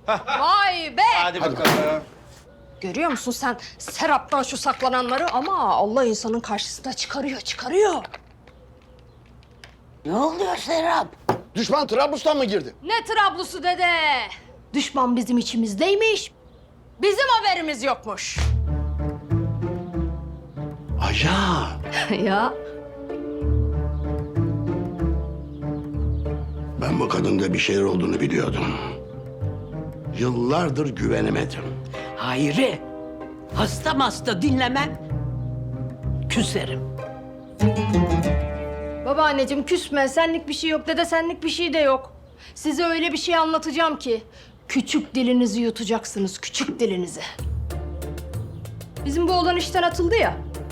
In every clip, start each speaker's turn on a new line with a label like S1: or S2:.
S1: Vay be!
S2: Hadi bakalım.
S1: Görüyor musun sen Serap'tan şu saklananları ama Allah insanın karşısına çıkarıyor.
S3: Ne oluyor Serap?
S4: Düşman Trablus'tan mı girdi?
S1: Ne Trablus'u dede? Düşman bizim içimizdeymiş. Bizim haberimiz yokmuş.
S4: Acayip.
S1: Ya
S4: Ben bu kadında bir şeyler olduğunu biliyordum. Yıllardır güvenemedim.
S3: Hayri, hasta dinlemem. Küserim.
S1: babaanneciğim küsme, senlik bir şey yok. Dede senlik bir şey de yok. Size öyle bir şey anlatacağım ki küçük dilinizi yutacaksınız, küçük dilinizi. Bizim bu oğlan işten atıldı ya.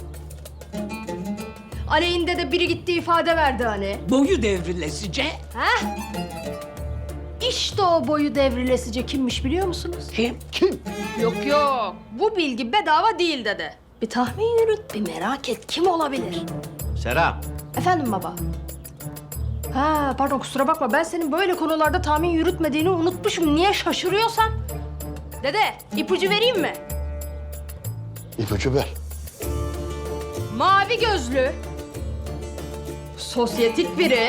S1: Aleyhinde de biri gitti ifade verdi hani.
S3: Boyu devrilesice.
S1: Heh. İşte o boyu devrilesice kimmiş biliyor musunuz?
S3: Kim?
S4: Kim?
S1: Yok. Bu bilgi bedava değil dede. Bir tahmin yürüt, bir merak et. Kim olabilir?
S2: Serap.
S1: Efendim baba? Ha pardon kusura bakma. Ben senin böyle konularda tahmin yürütmediğini unutmuşum. Niye şaşırıyorsan? Dede ipucu vereyim mi?
S4: İpucu ver.
S1: Mavi gözlü. Sosyetik biri.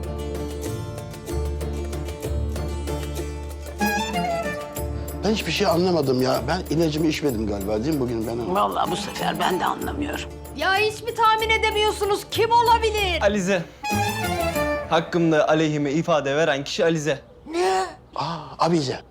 S4: Ben hiçbir şey anlamadım ya. Ben ilacımı içmedim galiba değil mi bugün ben?
S3: Vallahi bu sefer ben de anlamıyorum.
S1: Ya hiç mi tahmin edemiyorsunuz? Kim olabilir?
S5: Alize. Hakkımda aleyhime ifade veren kişi Alize.
S4: Abize.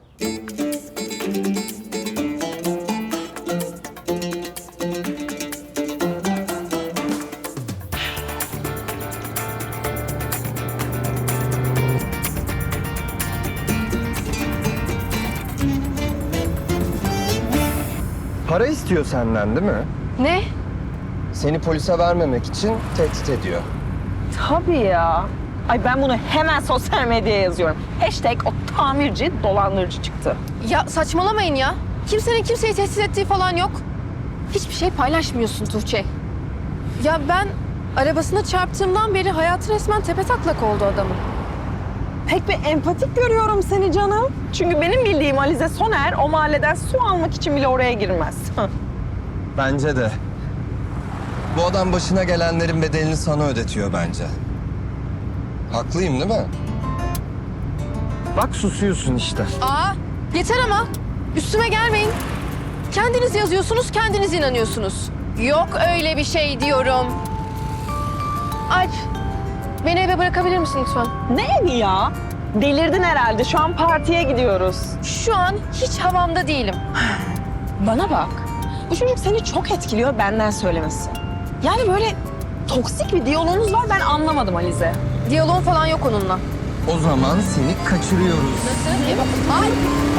S6: Para istiyor senden değil mi?
S7: Ne?
S6: Seni polise vermemek için tehdit ediyor.
S7: Tabii ya. Ay ben bunu hemen sosyal medyaya yazıyorum. Hashtag o tamirci dolandırıcı çıktı.
S8: Ya saçmalamayın ya. Kimsenin kimseyi tehdit ettiği falan yok. Hiçbir şey paylaşmıyorsun Tuğçe. Ya ben arabasına çarptığımdan beri hayatı resmen tepetaklak oldu adamın.
S7: Pek bir empatik görüyorum seni canım. Çünkü benim bildiğim Alize Soner o mahalleden su almak için bile oraya girmez.
S6: Bence de. Bu adam başına gelenlerin bedelini sana ödetiyor bence. Haklıyım değil mi? Bak susuyorsun işte.
S8: Aa yeter ama. Üstüme gelmeyin. Kendiniz yazıyorsunuz, kendiniz inanıyorsunuz. Yok öyle bir şey diyorum. Alp, beni eve bırakabilir misin lütfen?
S7: Ne evi ya? Delirdin herhalde. Şu an partiye gidiyoruz.
S8: Şu an hiç havamda değilim.
S7: Bana bak. Bu çocuk seni çok etkiliyor benden söylemesi. Yani böyle toksik bir diyaloğunuz var ben anlamadım Alize.
S8: Diyaloğum falan yok onunla.
S6: O zaman seni kaçırıyoruz.
S8: Ay.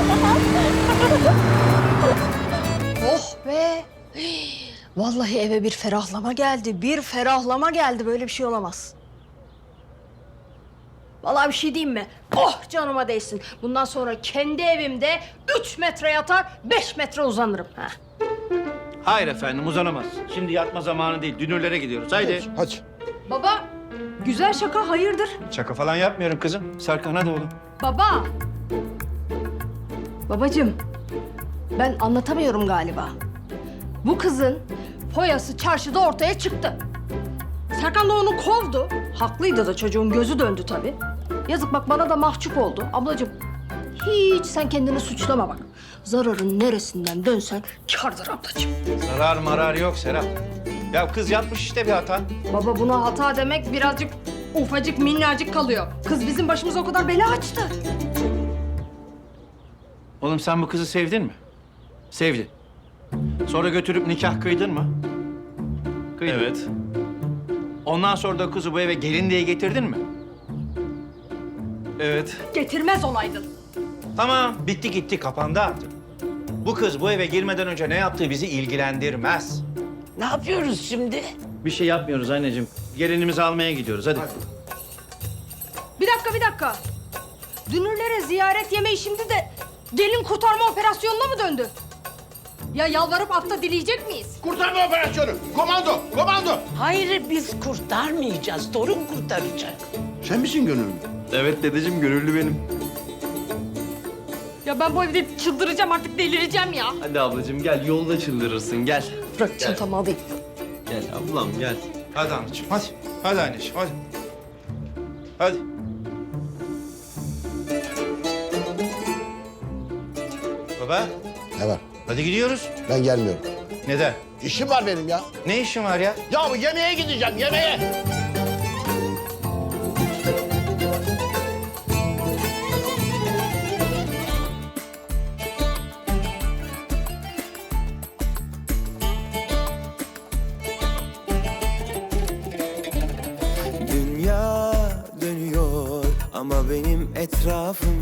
S1: Oh be! Vallahi eve bir ferahlama geldi. Bir ferahlama geldi. Böyle bir şey olamaz. Vallahi bir şey diyeyim mi? Oh canıma değsin. Bundan sonra kendi evimde 3 metre yatar, 5 metre uzanırım. Ha.
S2: Hayır efendim uzanamaz. Şimdi yatma zamanı değil. Dünürlere gidiyoruz. Haydi.
S4: Hadi.
S1: Baba, güzel şaka hayırdır?
S2: Şaka falan yapmıyorum kızım. Serkan hadi oğlum.
S1: Baba! Babacığım, ben anlatamıyorum galiba. Bu kızın foyası çarşıda ortaya çıktı. Serkan da onu kovdu. Haklıydı da çocuğun gözü döndü tabii. Yazık bak bana da mahcup oldu. Ablacığım, hiç sen kendini suçlama bak. Zararın neresinden dönsen kârdır ablacığım.
S2: Zarar marar yok Serap. Ya kız yapmış işte bir hata.
S1: Baba buna hata demek birazcık ufacık minnacık kalıyor. Kız bizim başımıza o kadar bela açtı.
S2: Oğlum sen bu kızı sevdin mi? Sevdin. Sonra götürüp nikah kıydın mı? Kıydın.
S5: Evet.
S2: Ondan sonra da kızı bu eve gelin diye getirdin mi?
S5: Evet.
S1: Getirmez olaydın.
S2: Tamam, bitti gitti, kapandı artık. Bu kız bu eve girmeden önce ne yaptığı bizi ilgilendirmez.
S3: Ne yapıyoruz şimdi?
S2: Bir şey yapmıyoruz anneciğim. Gelinimizi almaya gidiyoruz, hadi.
S1: Bir dakika. Dünürlere ziyaret yemeği şimdi de gelin kurtarma operasyonuna mı döndü? Ya yalvarıp afta dileyecek miyiz?
S4: Kurtarma operasyonu. Komando.
S3: Hayri biz kurtarmayacağız. Torun kurtaracak.
S4: Sen misin gönüllü?
S5: Evet dedeciğim, gönüllü benim.
S1: Ya ben bu evde çıldıracağım artık, delireceğim ya.
S5: Hadi ablacığım gel, yolda çıldırırsın, gel.
S1: Bırak çantamı alayım.
S5: Gel ablam gel.
S2: Hadi anneciğim hadi. Hadi anneciğim hadi. Hadi. Baba
S4: Ne var?
S2: hadi gidiyoruz.
S4: Ben gelmiyorum.
S2: Neden?
S4: İşim var benim ya.
S2: Ne işin var ya?
S4: Ya bu yemeğe gideceğim, yemeğe.
S9: Dünya dönüyor ama benim etrafım